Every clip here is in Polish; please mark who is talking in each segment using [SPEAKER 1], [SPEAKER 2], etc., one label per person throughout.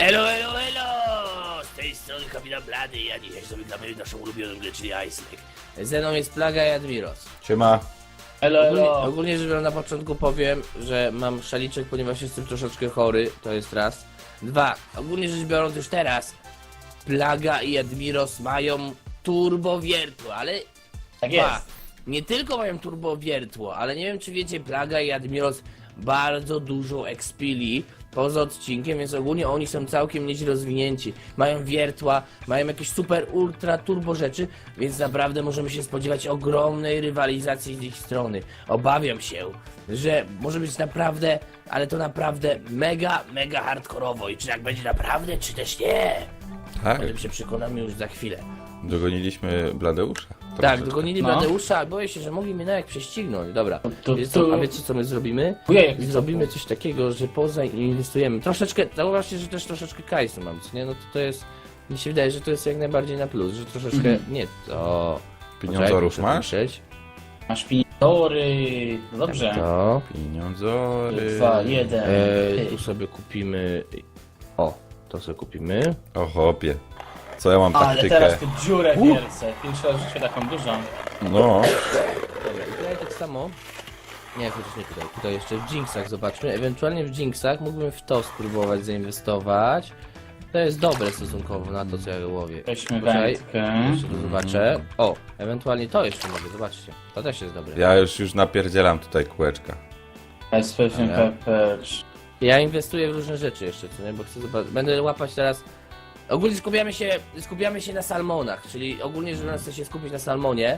[SPEAKER 1] Elo, elo, elo! Z tej strony kapitan Blady i ja dzisiaj sobie gramy w naszą ulubioną grę, czyli Ice Lake. Ze mną jest Plaga i Admiros.
[SPEAKER 2] Siema.
[SPEAKER 3] Elo, elo.
[SPEAKER 1] Ogólnie rzecz biorąc, na początku powiem, że mam szaliczek, ponieważ jestem troszeczkę chory, to jest raz. Dwa, ogólnie rzecz biorąc już teraz, Plaga i Admiros mają turbowiertło, ale...
[SPEAKER 3] Tak
[SPEAKER 1] Dwa,
[SPEAKER 3] jest.
[SPEAKER 1] nie tylko mają turbowiertło, ale nie wiem czy wiecie, Plaga i Admiros bardzo dużo expili poza odcinkiem, więc ogólnie oni są całkiem nieźle rozwinięci. Mają wiertła, mają jakieś super ultra turbo rzeczy, więc naprawdę możemy się spodziewać ogromnej rywalizacji z ich strony. Obawiam się, że może być naprawdę, ale to naprawdę mega hardkorowo i czy tak będzie naprawdę, czy też nie.
[SPEAKER 2] Tak,
[SPEAKER 1] O tym się przekonamy już za chwilę.
[SPEAKER 2] dogoniliśmy Bladeusza.
[SPEAKER 1] Tak,
[SPEAKER 2] Troszeczkę.
[SPEAKER 1] dogonili
[SPEAKER 3] No.
[SPEAKER 1] Bladeusza, boję się, że mogli mnie na jak prześcignąć. Dobra, a wiecie co my zrobimy?
[SPEAKER 3] Ujej,
[SPEAKER 1] Zrobimy coś takiego, że poza inwestujemy troszeczkę, zauważcie, że też troszeczkę kajsu mam, co nie? No to jest, mi się wydaje, że to jest jak najbardziej na plus, że troszeczkę, nie to...
[SPEAKER 2] Pieniądzorów
[SPEAKER 1] Poczekaj,
[SPEAKER 2] masz?
[SPEAKER 1] muszę patrzeć.
[SPEAKER 3] Masz piniory. No dobrze.
[SPEAKER 1] To...
[SPEAKER 2] Pieniądzory.
[SPEAKER 3] 2, 1.
[SPEAKER 1] tu sobie kupimy... O, to sobie kupimy.
[SPEAKER 2] O chłopie. Co ja mam
[SPEAKER 3] Ale
[SPEAKER 2] taktykę?
[SPEAKER 3] teraz tu dziurę wielce. Pierwszy raz w życiu taką dużą.
[SPEAKER 2] No.
[SPEAKER 1] Dobra, i tutaj tak samo... Nie, chociaż nie tutaj, tutaj jeszcze w Jinxach zobaczmy, ewentualnie w Jinxach mógłbym w to spróbować zainwestować. To jest dobre stosunkowo na to, co ja łowię.
[SPEAKER 3] Weźmy
[SPEAKER 1] Poczekaj,
[SPEAKER 3] wędkę.
[SPEAKER 1] jeszcze to zobaczę. O, ewentualnie to jeszcze mogę, zobaczcie. To też jest dobre.
[SPEAKER 2] Ja już napierdzielam tutaj kółeczka.
[SPEAKER 3] Special
[SPEAKER 1] Dobra.
[SPEAKER 3] pepper.
[SPEAKER 1] Ja inwestuję w różne rzeczy jeszcze, co nie? Bo chcę zobaczyć. Będę łapać teraz... Ogólnie skupiamy się na salmonach, czyli ogólnie, że chcę się skupić na salmonie.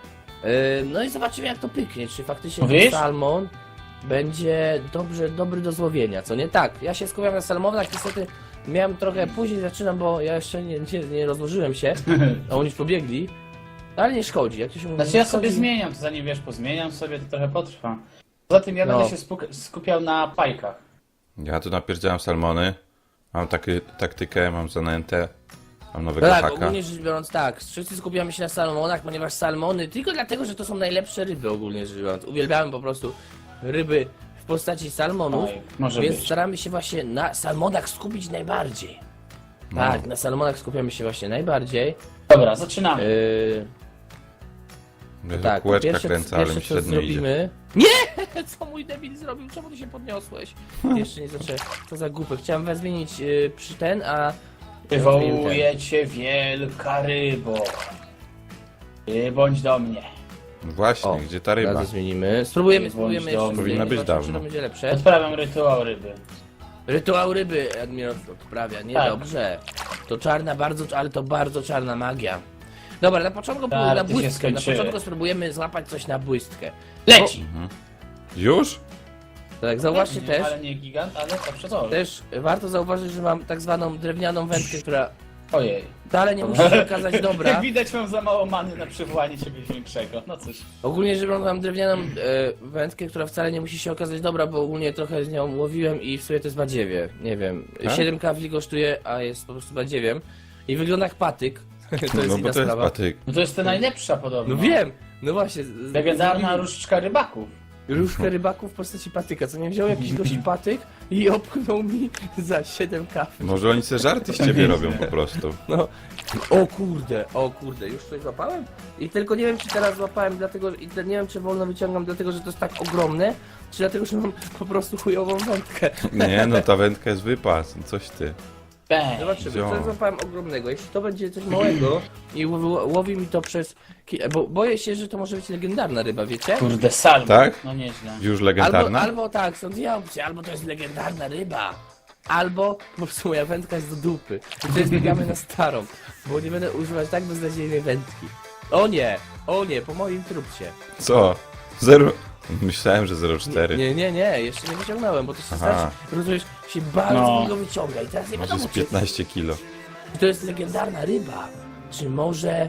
[SPEAKER 1] No i zobaczymy jak to pyknie, czy faktycznie ten
[SPEAKER 3] Mówisz?
[SPEAKER 1] salmon będzie dobry do złowienia, co nie? Tak, ja się skupiam na salmonach, niestety miałem trochę później zaczynam, bo ja jeszcze nie rozłożyłem się, a oni już pobiegli. Ale nie szkodzi, jak to się mówi.
[SPEAKER 3] Znaczy ja
[SPEAKER 1] nie
[SPEAKER 3] sobie
[SPEAKER 1] szkodzi.
[SPEAKER 3] zmieniam, to zanim wiesz, pozmieniam sobie, to trochę potrwa. Poza tym ja
[SPEAKER 1] No.
[SPEAKER 3] będę się skupiał na pajkach.
[SPEAKER 2] Ja tu napierdzielam salmony. Mam taktykę, mam zanętę. Mam
[SPEAKER 1] No
[SPEAKER 2] nowego
[SPEAKER 1] tak,
[SPEAKER 2] haka.
[SPEAKER 1] ogólnie rzecz biorąc tak, wszyscy skupiamy się na salmonach, ponieważ salmony, tylko dlatego, że to są najlepsze ryby ogólnie rzecz biorąc. Uwielbiałem po prostu ryby w postaci salmonów,
[SPEAKER 3] Oj, może
[SPEAKER 1] więc
[SPEAKER 3] być.
[SPEAKER 1] staramy się właśnie na salmonach skupić najbardziej.
[SPEAKER 2] No.
[SPEAKER 1] Tak, na salmonach skupiamy się właśnie najbardziej.
[SPEAKER 3] Dobra, zaczynamy.
[SPEAKER 2] Ja
[SPEAKER 1] Tak,
[SPEAKER 2] kółeczka
[SPEAKER 1] pierwsze,
[SPEAKER 2] kręcę, ale mi
[SPEAKER 1] pierwsze co
[SPEAKER 2] średnio idzie.
[SPEAKER 1] zrobimy... Nie! Co mój debil zrobił? Czemu ty się podniosłeś? Jeszcze nie zaczęłem. Co za głupek. Chciałem was zmienić przy ten, a...
[SPEAKER 3] Wywołuje cię wielka rybo. Bądź do mnie.
[SPEAKER 2] Właśnie,
[SPEAKER 1] O,
[SPEAKER 2] gdzie ta ryba?
[SPEAKER 1] Razy zmienimy. Spróbujemy
[SPEAKER 3] Bądź
[SPEAKER 1] jeszcze.
[SPEAKER 3] dobry.
[SPEAKER 2] Powinna być
[SPEAKER 1] zobaczymy, czy
[SPEAKER 2] dawno.
[SPEAKER 1] to będzie lepsze.
[SPEAKER 3] Odprawiam rytuał ryby.
[SPEAKER 1] Rytuał ryby Admiral odprawia,
[SPEAKER 3] Tak.
[SPEAKER 1] niedobrze. To czarna, ale to bardzo czarna magia. Dobra, na początku
[SPEAKER 3] Tak,
[SPEAKER 1] na
[SPEAKER 3] ty się
[SPEAKER 1] błystkę. Na
[SPEAKER 3] skończyły.
[SPEAKER 1] początku spróbujemy złapać coś na błystkę.
[SPEAKER 3] Leci!
[SPEAKER 2] Już?
[SPEAKER 1] Tak, zauważcie
[SPEAKER 3] Nie,
[SPEAKER 1] też.
[SPEAKER 3] Ale nie gigant, ale to przezorze.
[SPEAKER 1] Też warto zauważyć, że mam tak zwaną drewnianą wędkę, która
[SPEAKER 3] Ojej.
[SPEAKER 1] wcale nie musi się okazać dobra.
[SPEAKER 3] Jak widać mam za mało many na przywołanie czegoś większego. No cóż.
[SPEAKER 1] Ogólnie rzecz biorąc mam drewnianą wędkę, która wcale nie musi się okazać dobra, bo ogólnie trochę z nią łowiłem i w sumie to jest badziewie. Nie wiem,
[SPEAKER 2] Tak?
[SPEAKER 1] 7 kawli kosztuje, a jest po prostu badziewiem. I wygląda jak patyk. To jest
[SPEAKER 2] No
[SPEAKER 1] inna
[SPEAKER 2] bo to jest
[SPEAKER 1] sprawa.
[SPEAKER 2] patyk.
[SPEAKER 3] No to jest ta najlepsza podobno.
[SPEAKER 1] No wiem, no właśnie.
[SPEAKER 3] Legendarna różdżka rybaków.
[SPEAKER 1] Różkę rybaków w postaci patyka, co nie wziął jakiś gość patyk i opchnął mi za 7 kaw.
[SPEAKER 2] Może oni se żarty z ciebie robią po prostu.
[SPEAKER 1] No, o kurde, już coś złapałem? I tylko nie wiem, czy teraz złapałem, dlatego, i nie wiem, czy wolno wyciągam, dlatego, że to jest tak ogromne, czy dlatego, że mam po prostu chujową wędkę.
[SPEAKER 2] Nie, no ta wędka jest wypas, no coś ty.
[SPEAKER 3] Bang.
[SPEAKER 1] Zobaczymy,
[SPEAKER 2] Wziąłem.
[SPEAKER 1] co złapałem ogromnego. Jeśli to będzie coś małego i łowi mi to przez... Bo boję się, że to może być legendarna ryba, wiecie?
[SPEAKER 3] Kurde, salmon.
[SPEAKER 2] Tak?
[SPEAKER 3] No nieźle.
[SPEAKER 2] Już legendarna?
[SPEAKER 1] Albo tak, są dwie opcje, albo to jest legendarna ryba, albo po prostu moja wędka jest do dupy. I to jest biegamy na starą, bo nie będę używać tak beznadziejnej wędki. O nie, po moim trupcie.
[SPEAKER 2] Co? Zero... Myślałem, że 0,4.
[SPEAKER 1] Nie, jeszcze nie wyciągnąłem, bo to się
[SPEAKER 2] Aha.
[SPEAKER 1] znaczy, rozumiesz, się bardzo
[SPEAKER 3] No.
[SPEAKER 1] długo wyciąga i teraz nie
[SPEAKER 2] Może
[SPEAKER 1] wiadomo,
[SPEAKER 2] z
[SPEAKER 1] czy
[SPEAKER 2] 15 kilo.
[SPEAKER 1] to jest legendarna ryba, czy może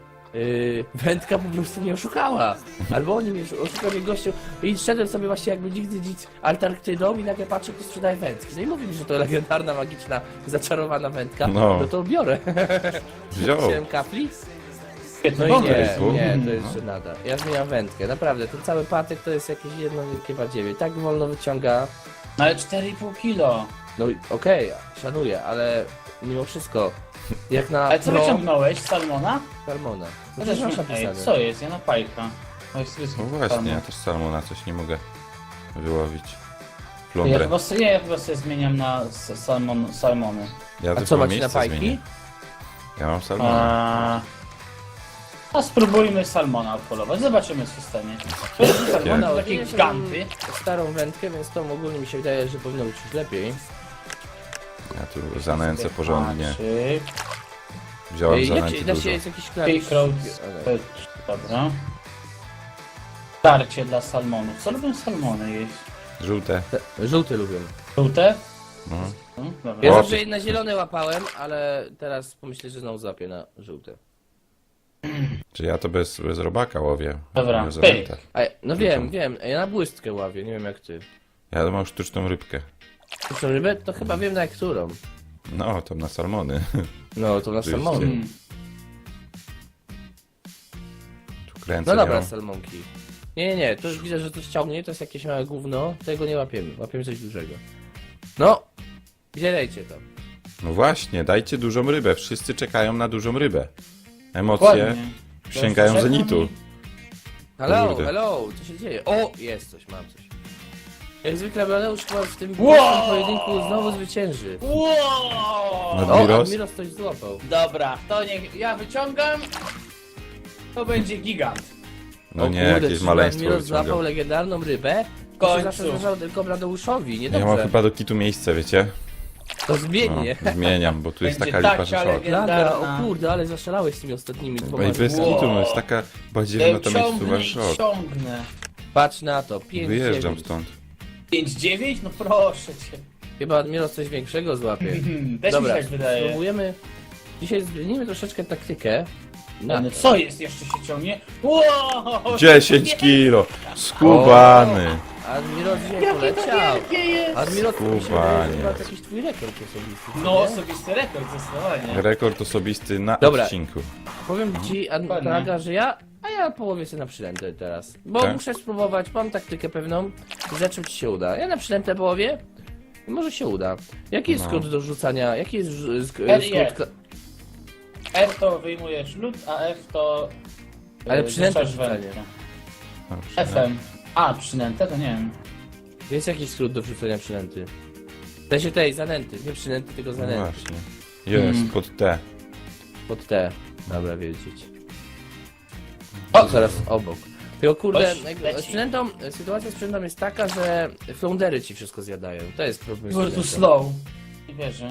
[SPEAKER 1] wędka po prostu mnie oszukała, albo oni mnie oszukali gościu i szedłem sobie właśnie jakby nigdy nic Antarktydą i nagle patrzę, kto sprzedaje wędki. No i mówi mi, że to legendarna, magiczna, zaczarowana wędka,
[SPEAKER 2] No.
[SPEAKER 1] no to biorę.
[SPEAKER 2] Wziął.
[SPEAKER 1] 7 kapli?
[SPEAKER 3] Świetny
[SPEAKER 1] No i
[SPEAKER 3] pomysł.
[SPEAKER 1] nie, to jeszcze nada. Ja zmieniam wędkę, naprawdę, ten cały patyk to jest jakieś jedno wielkie badziewie. Tak wolno wyciąga,
[SPEAKER 3] No ale 4,5 kilo.
[SPEAKER 1] No okej, szanuję, ale mimo wszystko, jak na
[SPEAKER 3] Ale co
[SPEAKER 1] pro
[SPEAKER 3] wyciągnąłeś? Salmona?
[SPEAKER 1] salmona. No
[SPEAKER 3] Ja
[SPEAKER 1] też
[SPEAKER 3] też
[SPEAKER 1] masz
[SPEAKER 3] Ej,
[SPEAKER 1] napisane.
[SPEAKER 3] co jest? Ja na pajka. To jest
[SPEAKER 2] No właśnie, ja też salmona coś nie mogę wyłowić.
[SPEAKER 3] Ja
[SPEAKER 2] Flądrę.
[SPEAKER 3] chyba sobie, ja chyba sobie zmieniam na salmony.
[SPEAKER 2] Ja
[SPEAKER 1] A
[SPEAKER 2] tylko
[SPEAKER 1] co macie na
[SPEAKER 2] miejsce
[SPEAKER 1] fajki?
[SPEAKER 2] zmienię. Ja mam salmona.
[SPEAKER 3] A spróbujmy salmona odpolować, zobaczymy co stanie. Salmona o takie giganty.
[SPEAKER 1] Starą wędkę, więc to ogólnie mi się wydaje, że powinno być już lepiej.
[SPEAKER 2] Ja tu zanęcę porządnie.
[SPEAKER 3] Patrzy.
[SPEAKER 2] Wziąłem
[SPEAKER 1] Jak
[SPEAKER 2] zanęty
[SPEAKER 1] się, da
[SPEAKER 2] dużo.
[SPEAKER 1] się jest jakiś klawisz?
[SPEAKER 3] Pickrose. Dobra. Starcie dla salmonów. Co lubią salmony jeść?
[SPEAKER 2] Żółte.
[SPEAKER 1] Żółty lubię.
[SPEAKER 3] Żółte?
[SPEAKER 2] No.
[SPEAKER 3] Dobra.
[SPEAKER 1] Ja
[SPEAKER 2] O,
[SPEAKER 1] zawsze na zielone łapałem, ale teraz pomyślę, że znowu złapię na żółte.
[SPEAKER 2] Czy ja to bez robaka łowię?
[SPEAKER 3] Dobra,
[SPEAKER 2] Bez
[SPEAKER 3] pyk.
[SPEAKER 2] zanętę.
[SPEAKER 1] A, no wiem, ja na błystkę ławię, nie wiem jak ty.
[SPEAKER 2] Ja mam sztuczną rybkę.
[SPEAKER 1] Sztuczną rybę? To chyba wiem na którą.
[SPEAKER 2] No, to na salmony.
[SPEAKER 1] No, to na
[SPEAKER 2] Oczywiście.
[SPEAKER 1] salmony.
[SPEAKER 2] Tu kręcę
[SPEAKER 1] No dobra,
[SPEAKER 2] nią.
[SPEAKER 1] salmonki. Nie, to już widzę, że coś ciągnie, to jest jakieś małe gówno, tego nie łapiemy, łapiemy coś dużego. No, gdzie dajcie to?
[SPEAKER 2] No właśnie, dajcie dużą rybę. Wszyscy czekają na dużą rybę. Emocje
[SPEAKER 3] Dokładnie.
[SPEAKER 2] sięgają
[SPEAKER 3] Czekam
[SPEAKER 2] zenitu.
[SPEAKER 3] i-
[SPEAKER 1] Hello,
[SPEAKER 2] Kurde.
[SPEAKER 1] co się dzieje? O, jest coś, mam coś. Jak zwykle Bladeusz chyba w tym
[SPEAKER 3] Wow!
[SPEAKER 1] pojedynku znowu zwycięży.
[SPEAKER 3] Wow!
[SPEAKER 2] No.
[SPEAKER 1] O,
[SPEAKER 2] Admiros?
[SPEAKER 1] Admiros coś złapał.
[SPEAKER 3] Dobra, to niech ja wyciągam. To będzie gigant.
[SPEAKER 2] No
[SPEAKER 1] O
[SPEAKER 2] nie,
[SPEAKER 1] kurde,
[SPEAKER 2] jakieś
[SPEAKER 1] czyli
[SPEAKER 2] maleństwo
[SPEAKER 1] Admiros złapał
[SPEAKER 2] wyciągam.
[SPEAKER 1] legendarną rybę.
[SPEAKER 3] W
[SPEAKER 1] To się
[SPEAKER 3] końcu.
[SPEAKER 1] zawsze zdarzało tylko Bladeuszowi,
[SPEAKER 2] Ja mam
[SPEAKER 1] niedobrze.
[SPEAKER 2] chyba do kitu miejsce, wiecie?
[SPEAKER 1] To
[SPEAKER 2] No,
[SPEAKER 1] zmienię.
[SPEAKER 2] zmieniam, bo tu jest
[SPEAKER 3] Będzie
[SPEAKER 2] taka lipa, że
[SPEAKER 3] taka
[SPEAKER 2] szok.
[SPEAKER 1] Plaga, o
[SPEAKER 3] legendarna.
[SPEAKER 1] kurde, ale zaszalałeś z tymi ostatnimi
[SPEAKER 2] Bo
[SPEAKER 1] dwoma.
[SPEAKER 2] i bez
[SPEAKER 3] Wow.
[SPEAKER 2] kitu, no jest taka badziewa na to miejscu,
[SPEAKER 3] i
[SPEAKER 2] szok.
[SPEAKER 3] ciągnę.
[SPEAKER 1] Patrz na to, 5
[SPEAKER 2] Wyjeżdżam stąd.
[SPEAKER 3] 5,9? No proszę cię.
[SPEAKER 1] Chyba Admiros coś większego złapie.
[SPEAKER 3] Też
[SPEAKER 1] Dobra,
[SPEAKER 3] mi się tak wydaje.
[SPEAKER 1] spróbujemy. Dzisiaj zmienimy troszeczkę taktykę.
[SPEAKER 3] No,
[SPEAKER 1] Na
[SPEAKER 3] co jest? Jeszcze się ciągnie? Wow!
[SPEAKER 2] 10 kilo! Skubany!
[SPEAKER 1] Admiros dzisiaj
[SPEAKER 3] Jakie to
[SPEAKER 1] poleciał.
[SPEAKER 3] wielkie jest!
[SPEAKER 1] Admiros, to mi się
[SPEAKER 2] Skubaniec.
[SPEAKER 1] wydaje, że chyba to jakiś twój rekord osobisty. co
[SPEAKER 3] No
[SPEAKER 1] nie?
[SPEAKER 3] osobisty rekord zdecydowanie.
[SPEAKER 2] Rekord osobisty na
[SPEAKER 1] Dobra.
[SPEAKER 2] odcinku.
[SPEAKER 1] Powiem ci,
[SPEAKER 3] Dokładnie.
[SPEAKER 1] Plaga, że ja połowię sobie na przylętę teraz. Bo
[SPEAKER 2] Tak?
[SPEAKER 1] muszę spróbować, mam taktykę pewną, rzeczy ci się uda. Ja na przylętę połowię i może się uda. Jaki jest
[SPEAKER 2] No.
[SPEAKER 1] skrót do rzucania? Jaki jest
[SPEAKER 3] RIE.
[SPEAKER 1] skrót...
[SPEAKER 3] R to wyjmujesz lód, a F to...
[SPEAKER 1] Ale przynętę
[SPEAKER 3] rzucasz
[SPEAKER 1] rzucanie.
[SPEAKER 3] wędkę.
[SPEAKER 2] Dobrze.
[SPEAKER 3] FM. A, przynętę? To nie wiem.
[SPEAKER 1] Jest jakiś skrót do wrzucenia przynęty. W sensie tej, zanęty, nie przynęty, tylko
[SPEAKER 2] No
[SPEAKER 1] zanęty.
[SPEAKER 2] właśnie. Jest, pod T.
[SPEAKER 1] Pod T. Dobra, wiedzieć.
[SPEAKER 3] O!
[SPEAKER 1] To zaraz obok. Tylko kurde,
[SPEAKER 3] Oś,
[SPEAKER 1] jakby
[SPEAKER 3] leci.
[SPEAKER 1] z przynętą, sytuacja z przynętą jest taka, że floundery ci wszystko zjadają. To jest problem z
[SPEAKER 3] Po prostu
[SPEAKER 1] przynętą.
[SPEAKER 3] slow. Nie wierzę.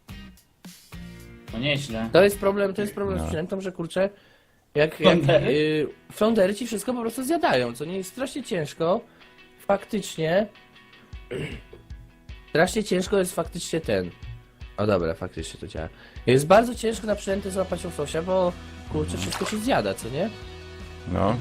[SPEAKER 3] No nieźle.
[SPEAKER 1] To jest problem z
[SPEAKER 2] No.
[SPEAKER 1] przynętą, że kurczę, jak
[SPEAKER 3] Floundery?
[SPEAKER 1] floundery ci wszystko po prostu zjadają, co nie jest strasznie ciężko. Faktycznie. Strasznie ciężko jest faktycznie ten. O dobra, faktycznie to działa. Jest bardzo ciężko na przynęty złapać łososia, bo kurczę, wszystko ci zjada, co nie?
[SPEAKER 2] No.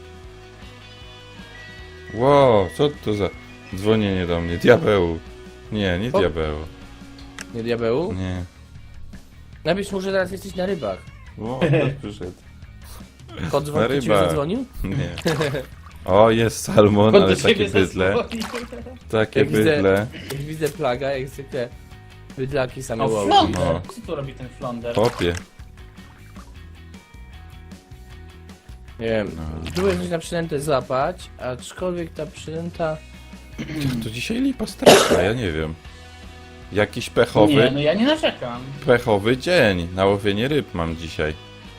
[SPEAKER 2] Wow, co to za dzwonienie do mnie? Diabeł. Nie, nie
[SPEAKER 1] O.
[SPEAKER 2] diabeł.
[SPEAKER 1] Nie diabełu?
[SPEAKER 2] Nie.
[SPEAKER 1] Napisz mu, że teraz jesteś na rybach.
[SPEAKER 2] Wow, ktoś przyszedł.
[SPEAKER 1] Kot dzwonił, ci już
[SPEAKER 2] rybach.
[SPEAKER 1] zadzwonił?
[SPEAKER 2] Nie. O, jest salmon,
[SPEAKER 3] Kto
[SPEAKER 2] ale
[SPEAKER 3] do
[SPEAKER 2] takie
[SPEAKER 3] ciebie
[SPEAKER 2] bydle.
[SPEAKER 3] zadzwonił?
[SPEAKER 2] Takie
[SPEAKER 1] Jak widzę-
[SPEAKER 2] bydle.
[SPEAKER 1] Jak widzę plaga, jak zwykle bydlaki same
[SPEAKER 3] O,
[SPEAKER 1] łowi.
[SPEAKER 3] flonder!
[SPEAKER 2] No.
[SPEAKER 3] Co tu robi ten flonder?
[SPEAKER 2] Popie.
[SPEAKER 1] Nie wiem,
[SPEAKER 2] No.
[SPEAKER 1] próbuję coś na przynętę złapać, aczkolwiek ta przynęta...
[SPEAKER 2] To dzisiaj lipa straszna, ja nie wiem. Jakiś pechowy,
[SPEAKER 3] Nie, no ja nie narzekam.
[SPEAKER 2] pechowy dzień. Na łowienie ryb mam dzisiaj.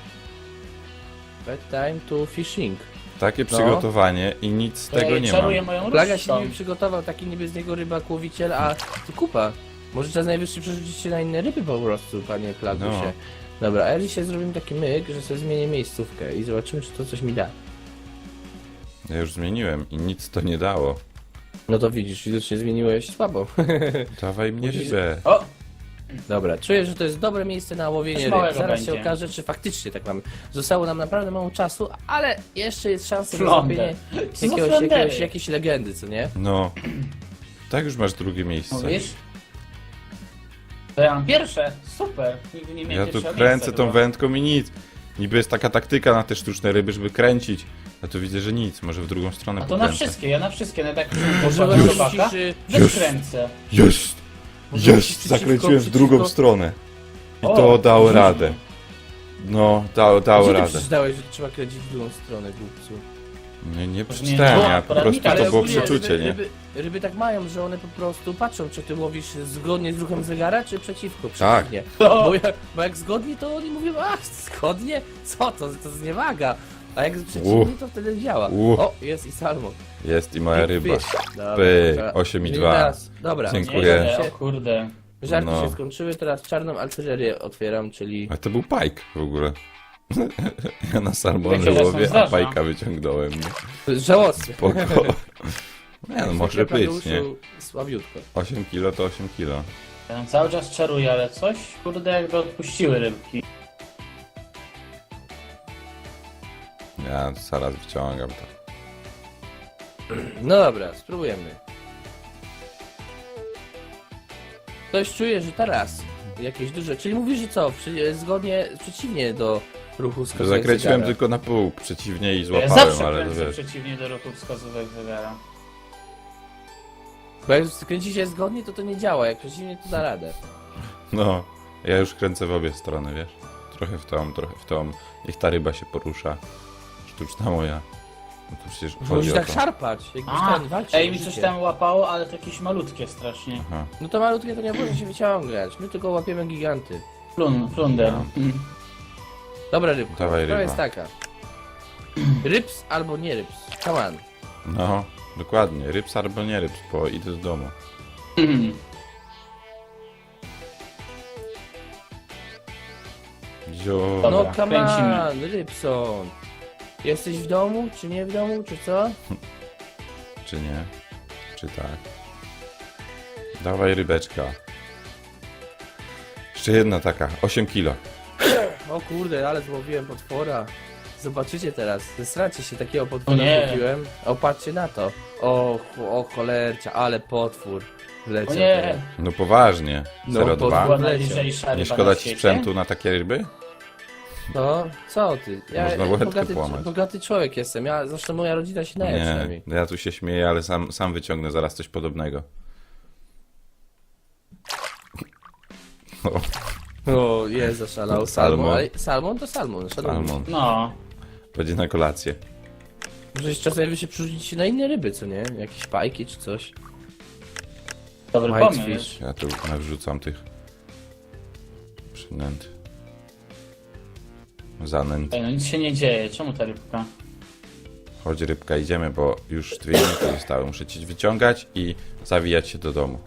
[SPEAKER 1] Bad time to fishing.
[SPEAKER 2] Takie
[SPEAKER 1] No.
[SPEAKER 2] przygotowanie i nic z tego nie
[SPEAKER 3] czaruję
[SPEAKER 2] mam.
[SPEAKER 3] moją
[SPEAKER 1] Plaga
[SPEAKER 3] różdżką.
[SPEAKER 1] się niby przygotował, taki niby z niego rybak łowiciel, a ty kupa. Może czas najwyższy przerzucić się na inne ryby po prostu, panie Plagusie.
[SPEAKER 2] No.
[SPEAKER 1] Dobra, a ja dzisiaj zrobimy taki myk, że sobie zmienię miejscówkę i zobaczymy, czy to coś mi da.
[SPEAKER 2] Ja już zmieniłem i nic to nie dało.
[SPEAKER 1] No to widzisz, widocznie zmieniłeś słabo.
[SPEAKER 2] Dawaj mnie
[SPEAKER 1] Musisz-
[SPEAKER 2] rybę.
[SPEAKER 3] O!
[SPEAKER 1] Dobra, czuję, że to jest dobre miejsce na łowienie
[SPEAKER 3] Coś
[SPEAKER 1] ryb.
[SPEAKER 3] małego
[SPEAKER 1] Zaraz się
[SPEAKER 3] będzie.
[SPEAKER 1] okaże, czy faktycznie tak mamy. Zostało nam naprawdę mało czasu, ale jeszcze jest szansa na
[SPEAKER 3] Flonder.
[SPEAKER 1] zrobienie
[SPEAKER 3] Co za flondery?
[SPEAKER 1] jakiejś legendy, co nie?
[SPEAKER 2] No. Tak już masz drugie miejsce.
[SPEAKER 3] Mówisz? To ja mam pierwsze. Super. Nigdy nie miałem
[SPEAKER 2] Ja tu
[SPEAKER 3] pierwszego
[SPEAKER 2] kręcę
[SPEAKER 3] miejsca
[SPEAKER 2] tą
[SPEAKER 3] chyba.
[SPEAKER 2] wędką i nic. Niby jest taka taktyka na te sztuczne ryby, żeby kręcić A tu widzę, że nic, może w drugą stronę
[SPEAKER 3] A to na
[SPEAKER 2] pokręcę.
[SPEAKER 3] wszystkie, ja na wszystkie, no tak
[SPEAKER 1] Może
[SPEAKER 3] poszłam do
[SPEAKER 1] musisz,
[SPEAKER 3] robaka, wykręcę.
[SPEAKER 2] Jest!
[SPEAKER 1] Może
[SPEAKER 2] Jest!
[SPEAKER 1] przeciwko-
[SPEAKER 2] Zakręciłem w drugą
[SPEAKER 1] przeciwko-
[SPEAKER 2] stronę. I
[SPEAKER 3] O,
[SPEAKER 2] to dało
[SPEAKER 3] dużo.
[SPEAKER 2] radę. No, dało
[SPEAKER 1] Gdzie ty
[SPEAKER 2] radę.
[SPEAKER 1] przeczytałeś, że trzeba kręcić w drugą stronę, głupcu?
[SPEAKER 2] Nie przeczytałem, ja po prostu
[SPEAKER 3] Ale
[SPEAKER 2] to było
[SPEAKER 3] ogólnie
[SPEAKER 2] przeczucie, nie?
[SPEAKER 1] Ryby tak mają, że one po prostu patrzą, czy ty łowisz zgodnie z ruchem zegara, czy przeciwko,
[SPEAKER 2] Tak.
[SPEAKER 1] przeciwnie.
[SPEAKER 3] No.
[SPEAKER 1] Bo jak zgodnie, to oni mówią, a zgodnie? Co to? To zniewaga. A jak przeciwnie, to wtedy działa. O, jest i salmon.
[SPEAKER 2] Jest i moja ryba.
[SPEAKER 1] Dobra,
[SPEAKER 2] Pyk,
[SPEAKER 1] trzeba-
[SPEAKER 2] 8,2.
[SPEAKER 1] Czyli teraz- Dobra,
[SPEAKER 2] Dziękuję.
[SPEAKER 3] Nie, o kurde.
[SPEAKER 1] żarty
[SPEAKER 2] No.
[SPEAKER 1] się skończyły, teraz czarną artylerię otwieram, czyli...
[SPEAKER 2] A to był pajk w ogóle. Ja na salmony
[SPEAKER 3] Takie czasem
[SPEAKER 2] łowię, a
[SPEAKER 3] zdarza.
[SPEAKER 2] pajka wyciągnąłem. Nie?
[SPEAKER 1] Żałosne.
[SPEAKER 2] Spoko. Nie no, może być, nie?
[SPEAKER 1] Słabiutko.
[SPEAKER 2] 8 kilo to 8 kilo.
[SPEAKER 3] Ja tam cały czas czaruję, ale coś, kurde, jakby odpuściły rybki.
[SPEAKER 2] Ja zaraz wyciągam to.
[SPEAKER 1] No dobra, spróbujemy. Ktoś czuje, że teraz jakieś duże... Czyli mówisz, że co? Zgodnie, przeciwnie do ruchu wskazówek
[SPEAKER 2] Zakręciłem
[SPEAKER 1] zegara.
[SPEAKER 2] tylko na pół przeciwnie i
[SPEAKER 3] Ja
[SPEAKER 2] złapałem,
[SPEAKER 3] zawsze
[SPEAKER 2] ale to
[SPEAKER 3] kręcę
[SPEAKER 2] wiesz.
[SPEAKER 3] przeciwnie do ruchu wskazówek zegara.
[SPEAKER 1] Bo jak kręci się zgodnie, to nie działa. Jak przeciwnie, to da radę.
[SPEAKER 2] No, ja już kręcę w obie strony, wiesz? Trochę w tą, trochę w tą. Niech ta ryba się porusza. Sztuczna moja. No to przecież
[SPEAKER 1] Musisz
[SPEAKER 2] chodzi o
[SPEAKER 1] tak
[SPEAKER 2] to.
[SPEAKER 1] szarpać, jakbyś
[SPEAKER 3] A,
[SPEAKER 1] ten walczył.
[SPEAKER 3] ej,
[SPEAKER 1] o
[SPEAKER 3] mi coś
[SPEAKER 1] życie.
[SPEAKER 3] tam łapało, ale to jakieś malutkie strasznie.
[SPEAKER 2] Aha.
[SPEAKER 1] No to malutkie to nie może się wyciągać. My tylko łapiemy giganty.
[SPEAKER 3] Flunder.
[SPEAKER 2] No.
[SPEAKER 1] Dobra rybka.
[SPEAKER 2] Dawaj,
[SPEAKER 1] Sprawa
[SPEAKER 2] ryba.
[SPEAKER 1] jest taka. Ryps albo nie ryps. Come on.
[SPEAKER 2] No, dokładnie. Rybs albo nie rybs, bo idę do domu. Zio...
[SPEAKER 3] Dobra,
[SPEAKER 1] No come
[SPEAKER 3] kręcimy.
[SPEAKER 1] on, Rybson. Jesteś w domu, czy nie w domu, czy co?
[SPEAKER 2] Czy nie? Czy tak? Dawaj rybeczka. Jeszcze jedna taka, 8 kilo.
[SPEAKER 1] O kurde, ale złowiłem potwora. Zobaczycie teraz, zesracie się, takiego
[SPEAKER 3] O
[SPEAKER 1] potwora
[SPEAKER 3] nie.
[SPEAKER 1] złowiłem. O, patrzcie na to. O cholercia, ale potwór. Leciał
[SPEAKER 3] O nie.
[SPEAKER 1] teraz.
[SPEAKER 2] No poważnie.
[SPEAKER 1] No,
[SPEAKER 2] 0,2.
[SPEAKER 3] Była
[SPEAKER 1] Leciał.
[SPEAKER 3] najlżejsza ryba
[SPEAKER 2] Nie szkoda
[SPEAKER 3] na
[SPEAKER 2] ci
[SPEAKER 3] świecie.
[SPEAKER 2] sprzętu na takie ryby?
[SPEAKER 1] No, co ty?
[SPEAKER 2] Można łebkę połamać.
[SPEAKER 1] bogaty człowiek jestem, zresztą moja rodzina się naje
[SPEAKER 2] Nie,
[SPEAKER 1] przynajmniej.
[SPEAKER 2] ja tu się śmieję, ale sam wyciągnę zaraz coś podobnego. O,
[SPEAKER 1] O, jest zaszalał.
[SPEAKER 2] Salmon.
[SPEAKER 1] Salmon. Ale salmon to salmon.
[SPEAKER 2] salmon.
[SPEAKER 3] No.
[SPEAKER 2] Będzie na kolację.
[SPEAKER 1] Może czasem wy się przerzucić na inne ryby, co nie? Jakieś pajki czy coś.
[SPEAKER 3] Dobry
[SPEAKER 1] Whitefish.
[SPEAKER 3] pomysł.
[SPEAKER 2] Ja tu nawrzucam tych przynęt. Zanęt.
[SPEAKER 3] Ej, no nic się nie dzieje, czemu ta rybka?
[SPEAKER 2] Chodź rybka, idziemy, bo już 2 minuty zostały. Muszę cię wyciągać i zawijać się do domu.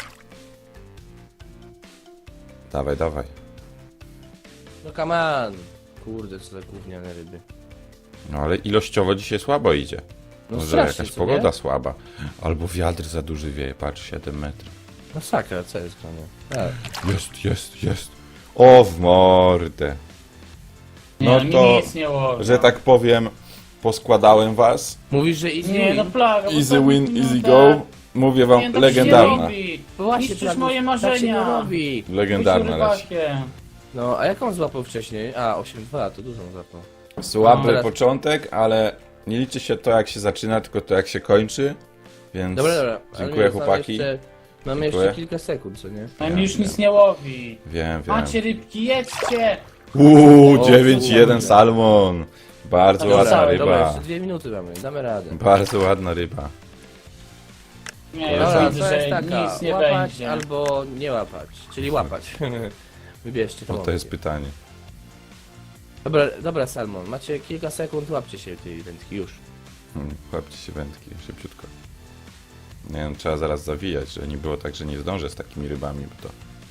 [SPEAKER 2] Dawaj, dawaj.
[SPEAKER 1] No come on. Kurde, co za gówniane ryby.
[SPEAKER 2] No ale ilościowo dzisiaj słabo idzie.
[SPEAKER 1] No
[SPEAKER 2] Może
[SPEAKER 1] strasznie,
[SPEAKER 2] jakaś
[SPEAKER 1] co
[SPEAKER 2] pogoda
[SPEAKER 1] nie?
[SPEAKER 2] słaba. Albo wiatr za duży wieje, patrz, 7 metrów.
[SPEAKER 1] No sakra, co jest grane? Tak.
[SPEAKER 2] Jest. O, w mordę.
[SPEAKER 3] Nie,
[SPEAKER 2] No
[SPEAKER 3] mi
[SPEAKER 2] to,
[SPEAKER 3] nic nie łowi.
[SPEAKER 2] że tak powiem, poskładałem was.
[SPEAKER 1] Mówisz, że easy
[SPEAKER 3] Nie, no
[SPEAKER 1] win?
[SPEAKER 3] plaga.
[SPEAKER 2] Easy
[SPEAKER 3] bo
[SPEAKER 2] win,
[SPEAKER 3] tak-
[SPEAKER 2] easy
[SPEAKER 3] no
[SPEAKER 2] go.
[SPEAKER 3] tak.
[SPEAKER 2] Mówię wam,
[SPEAKER 3] Nie, tak się
[SPEAKER 2] legendarna.
[SPEAKER 3] nie robi.
[SPEAKER 1] Bo właśnie,
[SPEAKER 3] Niszczysz
[SPEAKER 1] Plagus,
[SPEAKER 3] moje
[SPEAKER 1] Tak się nie
[SPEAKER 3] marzenia.
[SPEAKER 1] robi.
[SPEAKER 2] Legendarna
[SPEAKER 3] Byciu
[SPEAKER 2] leci.
[SPEAKER 3] rybakiem.
[SPEAKER 1] No, a jaką złapał wcześniej? A, 8-2, to dużo złapał.
[SPEAKER 2] Słaby
[SPEAKER 1] No, teraz-
[SPEAKER 2] początek, ale nie liczy się to jak się zaczyna, tylko to jak się kończy. Więc
[SPEAKER 1] Dobra. ale
[SPEAKER 2] dziękuję
[SPEAKER 1] nie,
[SPEAKER 2] chłopaki.
[SPEAKER 1] Mamy
[SPEAKER 2] Dziękuję.
[SPEAKER 1] jeszcze kilka sekund, co nie?
[SPEAKER 3] A mi już nic nie łowi.
[SPEAKER 2] Wiem.
[SPEAKER 3] Macie rybki, jedźcie!
[SPEAKER 1] O,
[SPEAKER 2] 9-1
[SPEAKER 1] kurde.
[SPEAKER 2] salmon. Bardzo
[SPEAKER 3] Dobra,
[SPEAKER 2] ładna
[SPEAKER 3] dobra,
[SPEAKER 2] ryba.
[SPEAKER 1] Dobra, jeszcze 2 minuty mamy, damy radę.
[SPEAKER 2] Bardzo ładna ryba.
[SPEAKER 3] Nie, ja
[SPEAKER 2] Dobra,
[SPEAKER 3] już widzę,
[SPEAKER 1] to jest
[SPEAKER 3] że
[SPEAKER 1] taka,
[SPEAKER 3] nic nie
[SPEAKER 1] łapać
[SPEAKER 3] będzie.
[SPEAKER 1] albo nie łapać, czyli łapać. Wybierzcie to.
[SPEAKER 2] No to jest pytanie.
[SPEAKER 1] Dobra, Salmon, macie kilka sekund, łapcie się tej wędki już.
[SPEAKER 2] Chłopcie się wędki, szybciutko. Nie wiem, trzeba zaraz zawijać, żeby nie było tak, że nie zdążę z takimi rybami, bo to...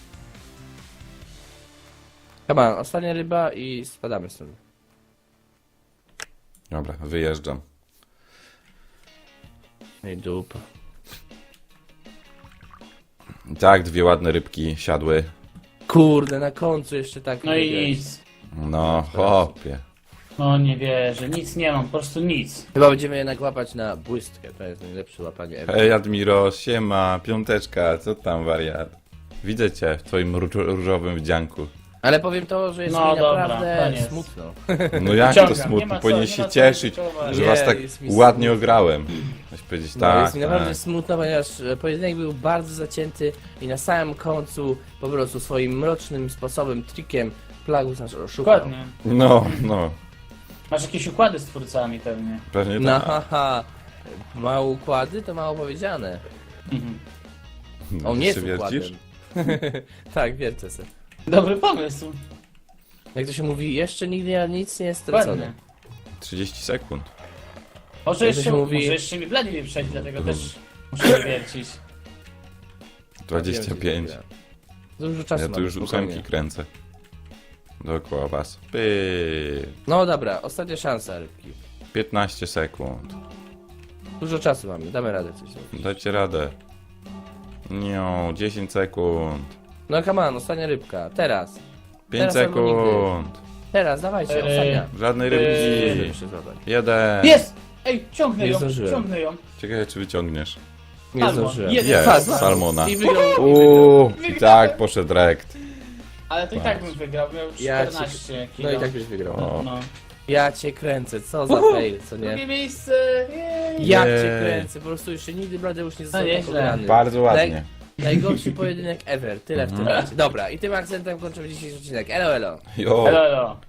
[SPEAKER 1] Chyba, ostatnia ryba i spadamy stąd.
[SPEAKER 2] Dobra, wyjeżdżam.
[SPEAKER 1] Ej, dupa.
[SPEAKER 2] I tak, 2 ładne rybki siadły.
[SPEAKER 1] Kurde, na końcu jeszcze tak.
[SPEAKER 3] No i
[SPEAKER 1] wygrać.
[SPEAKER 3] nic.
[SPEAKER 2] No, hopie.
[SPEAKER 3] No nie wierzę, nic nie mam, po prostu nic.
[SPEAKER 1] Chyba będziemy jednak łapać na błystkę, to jest najlepsze łapanie ever.
[SPEAKER 2] Hej Admiro, siema, piąteczka, co tam wariat? Widzę cię w twoim różowym wdzianku.
[SPEAKER 1] Ale powiem to, że jest
[SPEAKER 3] No
[SPEAKER 1] mi
[SPEAKER 3] dobra,
[SPEAKER 1] naprawdę
[SPEAKER 3] koniec.
[SPEAKER 1] smutno.
[SPEAKER 2] No jak to
[SPEAKER 3] Wyciągam, nie
[SPEAKER 2] smutno,
[SPEAKER 3] ma co,
[SPEAKER 2] powinien
[SPEAKER 3] nie
[SPEAKER 2] się
[SPEAKER 3] ma co
[SPEAKER 2] cieszyć,
[SPEAKER 3] ryzykować.
[SPEAKER 2] że
[SPEAKER 1] Nie,
[SPEAKER 2] was tak
[SPEAKER 1] jest mi
[SPEAKER 2] ładnie
[SPEAKER 1] smutno.
[SPEAKER 2] ograłem. Chcesz powiedzieć
[SPEAKER 1] No,
[SPEAKER 2] tak,
[SPEAKER 1] jest mi naprawdę
[SPEAKER 2] tak.
[SPEAKER 1] smutno, ponieważ pojedynek był bardzo zacięty i na samym końcu po prostu swoim mrocznym sposobem, trikiem Plagus nas oszukał.
[SPEAKER 3] Dokładnie.
[SPEAKER 2] No,
[SPEAKER 3] Masz jakieś układy z twórcami pewnie.
[SPEAKER 2] pewnie
[SPEAKER 1] No
[SPEAKER 2] tak.
[SPEAKER 1] haha, mało układy to mało powiedziane.
[SPEAKER 3] Mhm.
[SPEAKER 1] On nie jest
[SPEAKER 2] Ty się
[SPEAKER 1] układem.
[SPEAKER 2] wiercisz?
[SPEAKER 1] Tak, wiercę se.
[SPEAKER 3] Dobry pomysł.
[SPEAKER 1] Jak to się mówi, jeszcze nigdy nic nie jest stracone.
[SPEAKER 3] Dokładnie.
[SPEAKER 2] 30 sekund.
[SPEAKER 3] Może
[SPEAKER 1] Jak to
[SPEAKER 3] jeszcze,
[SPEAKER 1] się mówi-
[SPEAKER 3] może jeszcze mi Blady nie przejść, dlatego też muszę wiercić.
[SPEAKER 2] 25.
[SPEAKER 1] Dużo czasu
[SPEAKER 2] Ja tu
[SPEAKER 1] mamy,
[SPEAKER 2] już
[SPEAKER 1] spokojnie.
[SPEAKER 2] 8 kręcę. Dookoła was. Py.
[SPEAKER 1] No dobra, ostatnia szansa, rybki.
[SPEAKER 2] 15 sekund.
[SPEAKER 1] Dużo czasu mamy, damy radę coś zrobić.
[SPEAKER 2] Dajcie radę. Nie, 10 sekund.
[SPEAKER 1] No come on, ostatnia rybka, teraz.
[SPEAKER 2] 5
[SPEAKER 1] Teraz albo nigdy.
[SPEAKER 2] sekund.
[SPEAKER 1] Teraz, dawajcie, ostatnia.
[SPEAKER 2] Żadnej
[SPEAKER 1] Jeszcze
[SPEAKER 2] rybki.
[SPEAKER 1] muszę zadać.
[SPEAKER 2] 1.
[SPEAKER 3] Jest! Ej, ciągnę
[SPEAKER 1] Nie
[SPEAKER 3] ją,
[SPEAKER 1] zdążyłem.
[SPEAKER 3] ciągnę ją.
[SPEAKER 2] Ciekawe czy wyciągniesz.
[SPEAKER 1] Nie
[SPEAKER 3] Salmon,
[SPEAKER 1] zdążyłem.
[SPEAKER 3] jeden.
[SPEAKER 2] Jest,
[SPEAKER 3] Salmon.
[SPEAKER 2] salmona.
[SPEAKER 1] I wygrał.
[SPEAKER 2] I tak poszedł rekt.
[SPEAKER 3] Ale to i tak bym wygrał, miał
[SPEAKER 1] Ja
[SPEAKER 3] 14
[SPEAKER 1] No
[SPEAKER 3] kilo.
[SPEAKER 1] i tak byś wygrał.
[SPEAKER 2] O.
[SPEAKER 3] No.
[SPEAKER 1] Ja cię kręcę, co za fail, co nie?
[SPEAKER 3] Drugie miejsce! Jej.
[SPEAKER 1] Ja
[SPEAKER 2] Jej.
[SPEAKER 1] cię kręcę, po prostu jeszcze nigdy Bladeusz nie został
[SPEAKER 3] No
[SPEAKER 1] tak
[SPEAKER 3] nieźle.
[SPEAKER 1] pograny.
[SPEAKER 2] Bardzo ładnie.
[SPEAKER 1] Najgorszy pojedynek ever, tyle w tym razie. Dobra, i tym akcentem kończymy dzisiejszy odcinek. Elo, elo.
[SPEAKER 2] Jo.
[SPEAKER 3] Elo, elo.